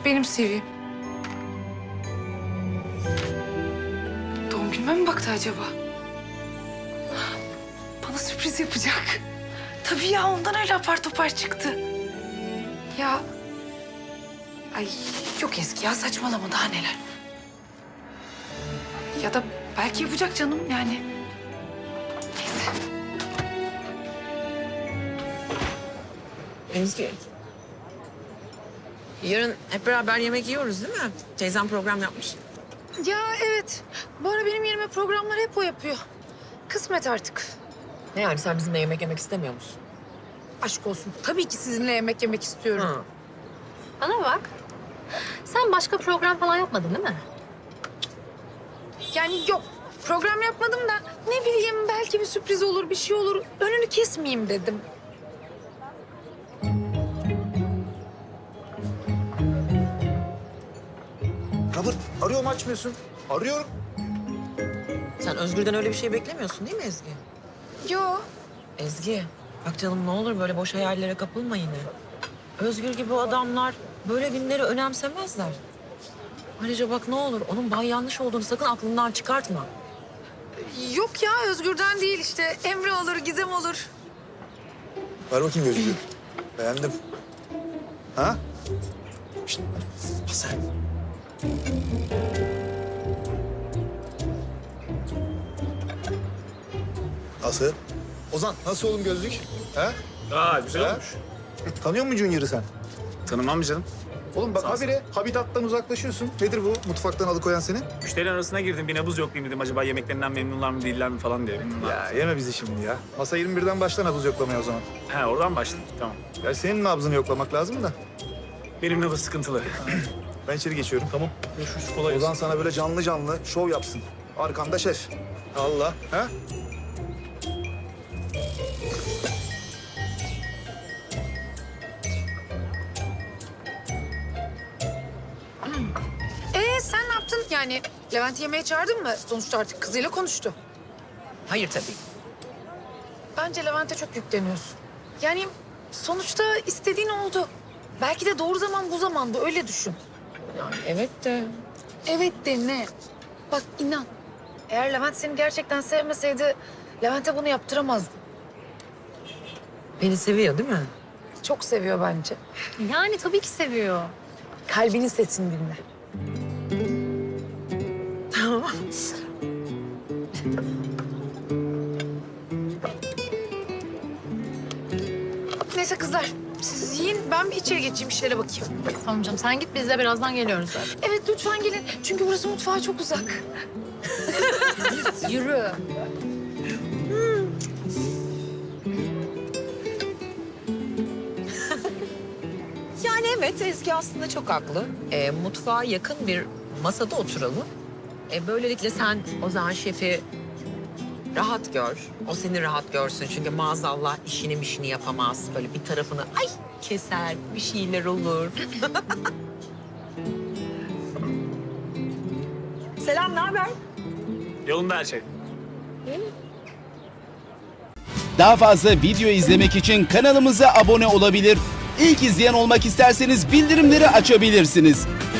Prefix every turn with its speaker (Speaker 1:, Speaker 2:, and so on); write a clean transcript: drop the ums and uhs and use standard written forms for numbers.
Speaker 1: benim CV'm. Doğum günüme mi baktı acaba? Bana sürpriz yapacak. Tabii ya, ondan öyle apar topar çıktı. Ya... Ay yok Ezgi ya, saçmalama, daha neler. Ya da belki yapacak canım yani. Neyse.
Speaker 2: Ezgi. Yarın hep beraber yemek yiyoruz değil mi? Teyzem program yapmış.
Speaker 1: Ya evet. Bu ara benim yerime programları hep o yapıyor. Kısmet artık.
Speaker 2: Ne yani sen bizimle yemek yemek istemiyor musun?
Speaker 1: Aşk olsun. Tabii ki sizinle yemek yemek istiyorum.
Speaker 2: Hı.
Speaker 3: Bana bak. Sen başka program falan yapmadın değil mi?
Speaker 1: Yani yok. Program yapmadım da ne bileyim, belki bir sürpriz olur, bir şey olur. Önünü kesmeyeyim dedim.
Speaker 4: Robert, arıyorum açmıyorsun. Arıyorum.
Speaker 2: Sen Özgür'den öyle bir şey beklemiyorsun değil mi Ezgi?
Speaker 1: Yo.
Speaker 2: Ezgi, bak canım ne olur böyle boş hayallere kapılma yine. Özgür gibi adamlar böyle günleri önemsemezler. Ayrıca bak ne olur onun bay yanlış olduğunu sakın aklından çıkartma.
Speaker 1: Yok ya, Özgür'den değil işte. Emre olur, Gizem olur.
Speaker 4: Ver bakayım gözlüğü. Beğendim. Ha? Şişt. Hasan. Nasıl? Ozan, nasıl oğlum gözlük? Ha?
Speaker 5: Güzel
Speaker 4: Ha?
Speaker 5: olmuş.
Speaker 4: Tanıyor musun Junior'ı sen?
Speaker 5: Tanımam canım.
Speaker 4: Oğlum bak habire habitattan uzaklaşıyorsun. Nedir bu mutfaktan alıkoyan seni?
Speaker 5: Müşterilerin arasına girdim. Bir nabız yoklayayım dedim. Acaba yemeklerinden memnunlar mı değiller mi falan diye.
Speaker 4: Ya yeme bizi şimdi ya. Masa 21'den başla nabız yoklamaya o zaman.
Speaker 5: He oradan başladım. Tamam.
Speaker 4: Ya senin nabzını yoklamak lazım da.
Speaker 5: Benim nabız sıkıntılı.
Speaker 4: Ben içeri geçiyorum.
Speaker 5: Tamam. Görüşürüz. Kolay
Speaker 4: Ozan sana böyle canlı canlı şov yapsın. Arkanda şef. Allah. Ha?
Speaker 1: Sen ne yaptın? Yani Levent'i yemeğe çağırdın mı? Sonuçta artık kızıyla konuştu.
Speaker 2: Hayır tabii.
Speaker 1: Bence Levent'e çok yükleniyorsun. Yani sonuçta istediğin oldu. Belki de doğru zaman bu zamandı, öyle düşün.
Speaker 2: Yani evet de
Speaker 1: Evet de ne? Bak inan. Eğer Levent seni gerçekten sevmeseydi Levent'e bunu yaptıramazdı.
Speaker 2: beni seviyor değil mi?
Speaker 1: Çok seviyor bence.
Speaker 3: Yani tabii ki seviyor.
Speaker 1: Kalbinin sesini dinle.
Speaker 2: Tamam.
Speaker 1: Neyse kızlar, siz yiyin, ben bir içeri geçeyim, işlere bakayım.
Speaker 3: Tamam canım, sen git, biz de birazdan geliyoruz zaten.
Speaker 1: Evet lütfen gelin, çünkü burası mutfağa çok uzak. Yürü.
Speaker 2: Yani evet Ezgi aslında çok haklı. Mutfağa yakın bir masada oturalım. Böylelikle sen Ozan Şef'i rahat gör. O seni rahat görsün. Çünkü maazallah işini yapamaz. Böyle bir tarafını ay keser, bir şeyler olur. Selam, ne haber?
Speaker 5: Yolunda her şey.
Speaker 6: Daha fazla video izlemek için kanalımıza abone olabilir. İlk izleyen olmak isterseniz bildirimleri açabilirsiniz.